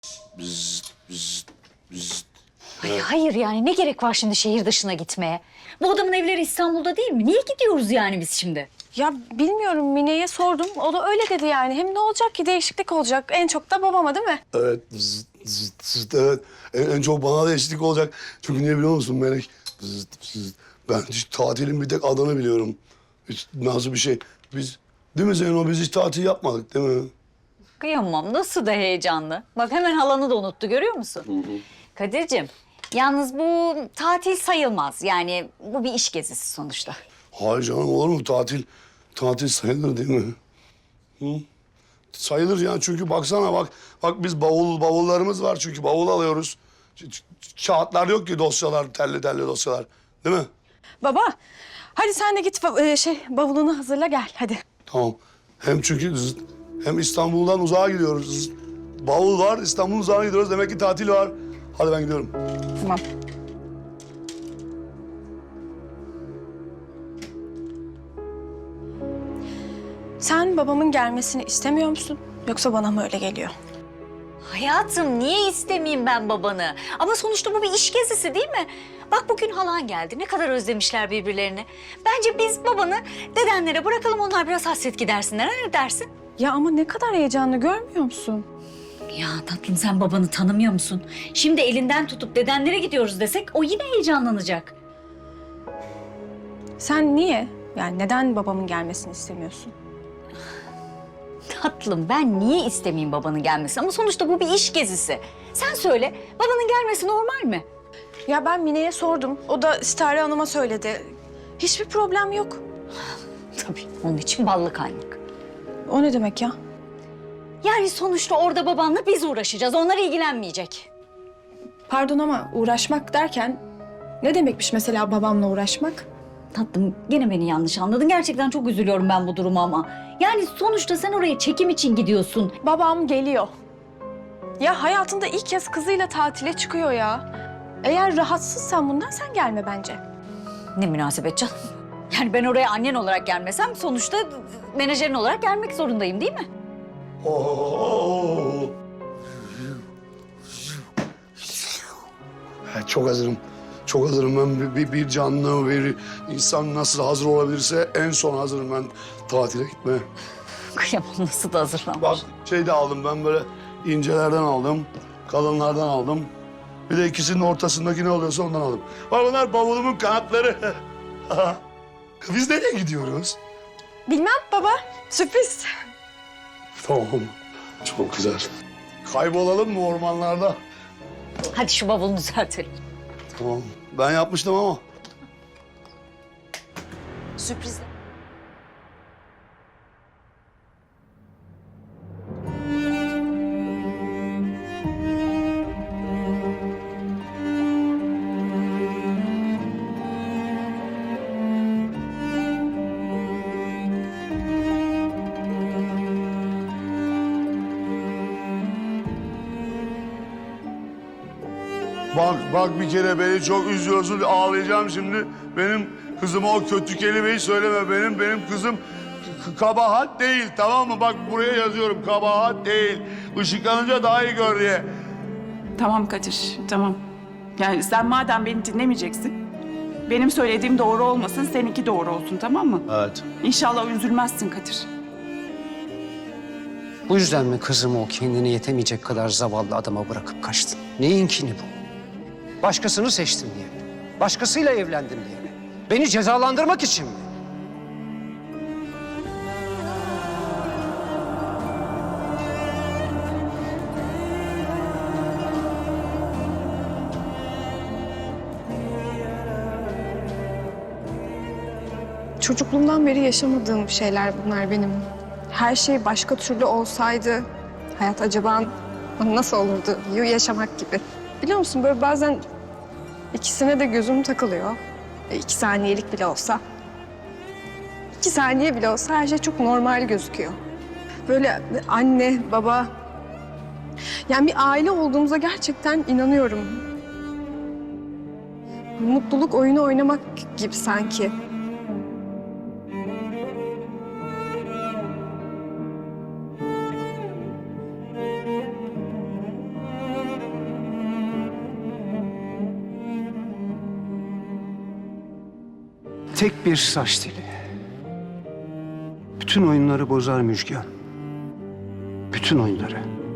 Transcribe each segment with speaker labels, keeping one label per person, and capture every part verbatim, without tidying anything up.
Speaker 1: Bzzz, bzzz, bzzz.
Speaker 2: Ay, hayır yani ne gerek var şimdi şehir dışına gitmeye? Bu adamın evleri İstanbul'da değil mi? Niye gidiyoruz yani biz şimdi?
Speaker 3: Ya bilmiyorum, Mine'ye sordum. O da öyle dedi yani. Hem ne olacak ki, değişiklik olacak. En çok da babama değil mi?
Speaker 1: Evet, bzzz, bzzz, bzzz, evet. En, en çok bana da eşlik olacak. Çünkü niye biliyor musun Melek? Bzzz, bzzz. Ben hiç tatilin bir tek adını biliyorum. Hiç nasıl bir şey. Biz, değil mi Zeyno? Biz hiç tatil yapmadık değil mi?
Speaker 2: Kıyamam nasıl da heyecanlı. Bak hemen halanı da unuttu görüyor musun? Hı hı. Kadir'cim yalnız bu tatil sayılmaz. Yani bu bir iş gezisi sonuçta.
Speaker 1: Hayır canım, olur mu? Tatil, tatil sayılır değil mi? Hı? Sayılır ya, çünkü baksana bak. Bak biz bavul, bavullarımız var çünkü bavul alıyoruz. Ç- ç- Kağıtlar yok ki, dosyalar, telli telli dosyalar. Değil mi?
Speaker 3: Baba, hadi sen de git ba- e, şey bavulunu hazırla gel hadi.
Speaker 1: Tamam. Hem çünkü z- hem İstanbul'dan uzağa gidiyoruz. Z- Bavul var, İstanbul'un uzağına gidiyoruz. Demek ki tatil var. Hadi ben gidiyorum.
Speaker 3: Tamam. Sen babamın gelmesini istemiyor musun? Yoksa bana mı öyle geliyor?
Speaker 2: Hayatım niye istemeyeyim ben babanı? Ama sonuçta bu bir iş gezisi değil mi? Bak bugün halan geldi. Ne kadar özlemişler birbirlerini. Bence biz babanı dedenlere bırakalım, onlar biraz hasret gidersinler. Ha, ne dersin?
Speaker 3: Ya ama ne kadar heyecanlı, görmüyor musun?
Speaker 2: Ya tatlım sen babanı tanımıyor musun? Şimdi elinden tutup dedenlere gidiyoruz desek o yine heyecanlanacak.
Speaker 3: Sen niye? Yani neden babamın gelmesini istemiyorsun?
Speaker 2: Tatlım ben niye istemeyeyim babanın gelmesini? Ama sonuçta bu bir iş gezisi. Sen söyle, babanın gelmesi normal mi?
Speaker 3: Ya ben Mine'ye sordum. O da Sitare Hanım'a söyledi. Hiçbir problem yok.
Speaker 2: Tabii onun için ballı kaymak.
Speaker 3: O ne demek ya?
Speaker 2: Yani sonuçta orada babanla biz uğraşacağız. Onlar ilgilenmeyecek.
Speaker 3: Pardon ama uğraşmak derken ne demekmiş mesela babamla uğraşmak?
Speaker 2: Tatlım gene beni yanlış anladın. Gerçekten çok üzülüyorum ben bu duruma ama. Yani sonuçta sen oraya çekim için gidiyorsun.
Speaker 3: Babam geliyor. Ya hayatında ilk kez kızıyla tatile çıkıyor ya. Eğer rahatsızsan bundan sen gelme bence.
Speaker 2: Ne münasebet canım. Yani ben oraya annen olarak gelmesem sonuçta menajerin olarak gelmek zorundayım değil mi?
Speaker 1: Oo. Evet, çok hazırım. Çok hazırım ben. Bir, bir canlı, bir insan nasıl hazır olabilirse en son hazırım ben tatile gitmeye.
Speaker 2: Kıyamam nasıl da hazırlanmış.
Speaker 1: Bak şey de aldım ben, böyle incelerden aldım, kalınlardan aldım. Bir de ikisinin ortasındaki ne oluyorsa ondan aldım. Bak bunlar bavulumun kanatları. Biz nereye gidiyoruz?
Speaker 3: Bilmem baba, sürpriz.
Speaker 1: Tamam, çok güzel. Kaybolalım mı ormanlarda?
Speaker 2: Hadi şu bavulunu düzeltelim.
Speaker 1: Tamam, ben yapmıştım ama.
Speaker 2: Sürpriz.
Speaker 1: Bak, bak bir kere beni çok üzüyorsun, ağlayacağım şimdi. Benim kızıma o kötü kelimeyi söyleme. Benim, benim kızım k- kabahat değil, tamam mı? Bak buraya yazıyorum, kabahat değil. Işıklanınca daha iyi gör diye.
Speaker 4: Tamam Kadir, tamam. Yani sen madem beni dinlemeyeceksin, benim söylediğim doğru olmasın, seninki doğru olsun, tamam mı?
Speaker 1: Evet.
Speaker 4: İnşallah üzülmezsin Kadir.
Speaker 5: Bu yüzden mi kızımı o kendine yetemeyecek kadar zavallı adama bırakıp kaçtın? Neyinkini bu? Başkasını seçtin diye mi? Başkasıyla evlendin diye mi? Beni cezalandırmak için mi?
Speaker 6: Çocukluğumdan beri yaşamadığım şeyler bunlar benim. Her şey başka türlü olsaydı hayat acaba nasıl olurdu? Yaşamak gibi. Biliyor musun böyle bazen ikisine de gözüm takılıyor. E, iki saniyelik bile olsa. İki saniye bile olsa her şey çok normal gözüküyor. Böyle anne, baba. Yani bir aile olduğumuza gerçekten inanıyorum. Mutluluk oyunu oynamak gibi sanki.
Speaker 5: tek bir saç teli. Bütün oyunları bozar Müjgan. Bütün oyunları.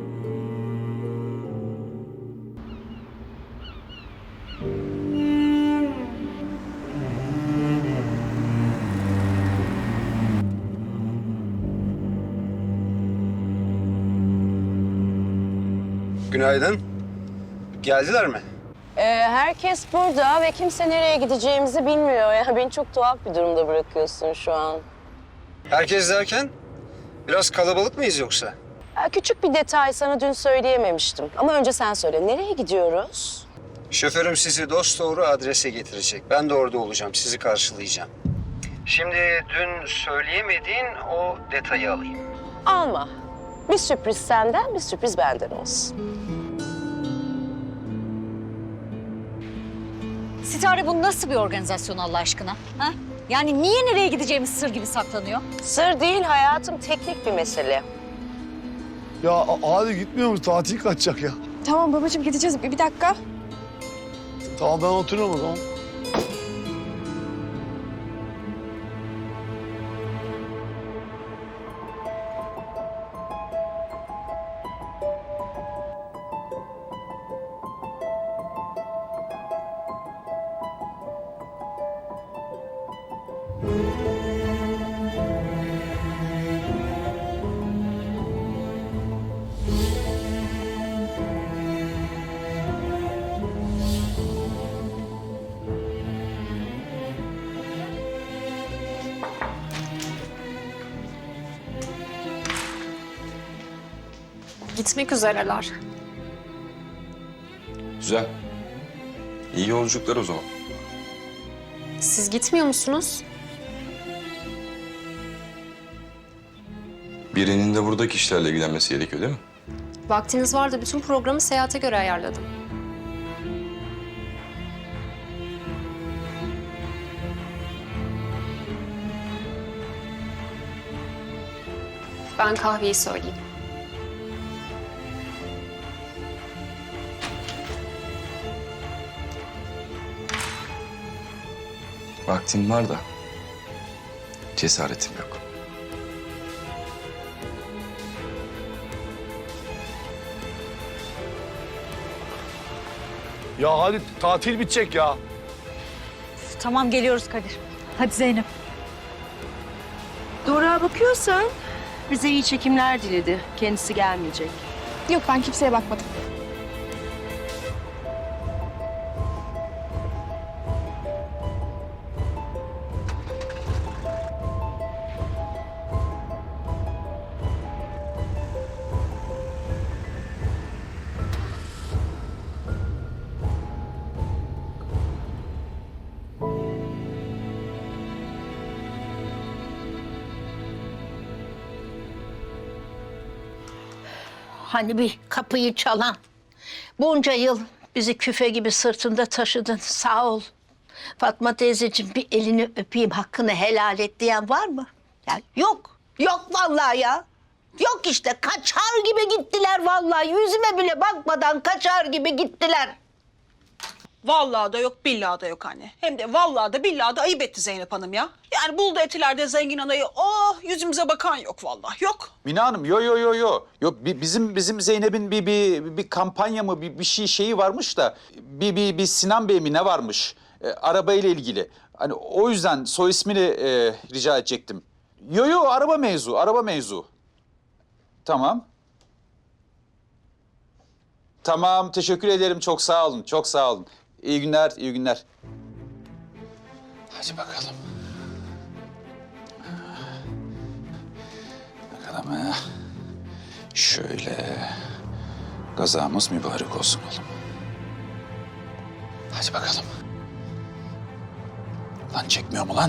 Speaker 7: Günaydın. Geldiler mi?
Speaker 8: Ee, herkes burada ve kimse nereye gideceğimizi bilmiyor. Ya beni çok tuhaf bir durumda bırakıyorsun şu an.
Speaker 7: Herkes derken biraz kalabalık mıyız yoksa?
Speaker 8: Ee, küçük bir detay sana dün söyleyememiştim. Ama önce sen söyle. Nereye gidiyoruz?
Speaker 7: Şoförüm sizi dosdoğru adrese getirecek. Ben de orada olacağım, sizi karşılayacağım. Şimdi dün söyleyemediğin o detayı alayım.
Speaker 8: Alma. Bir sürpriz senden, bir sürpriz benden olsun.
Speaker 2: Sitare, bu nasıl bir organizasyon Allah aşkına? Ha? Yani niye nereye gideceğimiz sır gibi saklanıyor?
Speaker 8: Sır değil hayatım, teknik bir mesele.
Speaker 1: Ya a- hadi gitmiyor mu? Tatil kaçacak ya.
Speaker 6: Tamam babacığım gideceğiz. Bir, bir dakika.
Speaker 1: Tamam ben oturuyorum o zaman.
Speaker 3: Gitmek üzereler.
Speaker 9: Güzel. İyi yolculuklar o zaman.
Speaker 10: Siz gitmiyor musunuz?
Speaker 9: Birinin de buradaki işlerle ilgilenmesi gerekiyor değil mi?
Speaker 10: Vaktiniz vardı. Bütün programı seyahate göre ayarladım. Ben kahveyi söyleyeyim.
Speaker 9: Vaktim var da cesaretim yok.
Speaker 1: Ya hadi tatil bitecek ya.
Speaker 2: Tamam, geliyoruz Kadir. Hadi Zeynep.
Speaker 11: Doruk'a bakıyorsan bize iyi çekimler diledi. Kendisi gelmeyecek.
Speaker 6: Yok ben kimseye bakmadım.
Speaker 11: Hani bir kapıyı çalan. Bunca yıl bizi küfe gibi sırtında taşıdın. Sağ ol. Fatma teyzeciğim bir elini öpeyim hakkını helal et diyen var mı? Ya yok. Yok vallahi ya. Yok işte kaçar gibi gittiler vallahi. Yüzüme bile bakmadan kaçar gibi gittiler.
Speaker 12: Vallahi da yok, billahi da yok anne. Hem de vallahi da billahi da ayıp etti Zeynep Hanım ya. Yani buldu etilerde zengin anayı. Oh, yüzümüze bakan yok vallahi. Yok.
Speaker 13: Mine Hanım, yo yo yo yo. Yok bi- bizim bizim Zeynep'in bir bir bir kampanya mı bir, bir şey şeyi varmış da bir bir bir Sinan Bey mi ne varmış? E, araba ile ilgili. Hani o yüzden soy ismini e, rica edecektim. Yo yo araba mevzu, araba mevzu. Tamam. Tamam, teşekkür ederim. Çok sağ olun, çok sağ olun. İyi günler, iyi günler. Hadi bakalım. Bakalım ha. Şöyle. Gazamız mübarek olsun oğlum. Hadi bakalım. Lan çekmiyor mu lan?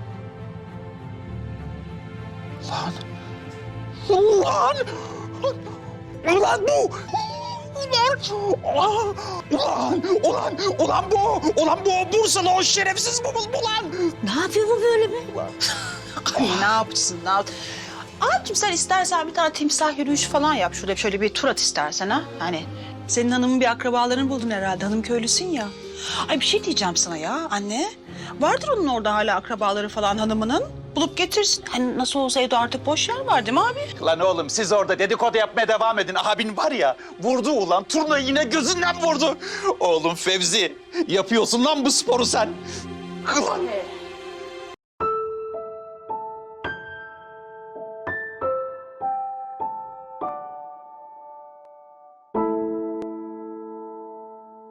Speaker 13: Lan. Ulan! Ulan bu! Ulan! Ulan! Ulan! Ulan bu! Ulan bu! Bursalı o şerefsiz bu bu lan!
Speaker 11: Ne yapıyor bu böyle be?
Speaker 12: Ay ne yapsın, ne yap? Abicim sen istersen bir tane timsah yürüyüşü falan yap. Şurada şöyle bir tur at istersen ha. Hani senin hanımın bir akrabalarını buldun herhalde. Hanım köylüsün ya. Ay bir şey diyeceğim sana ya anne. Vardır onun orada hala akrabaları falan hanımının. Bulup getirsin. Hani nasıl olsa evde artık boş yer var değil mi abi?
Speaker 13: Lan oğlum siz orada dedikodu yapmaya devam edin. Abin var ya vurdu ulan. Turnayı yine gözünden vurdu. Oğlum Fevzi yapıyorsun lan bu sporu sen. Ulan.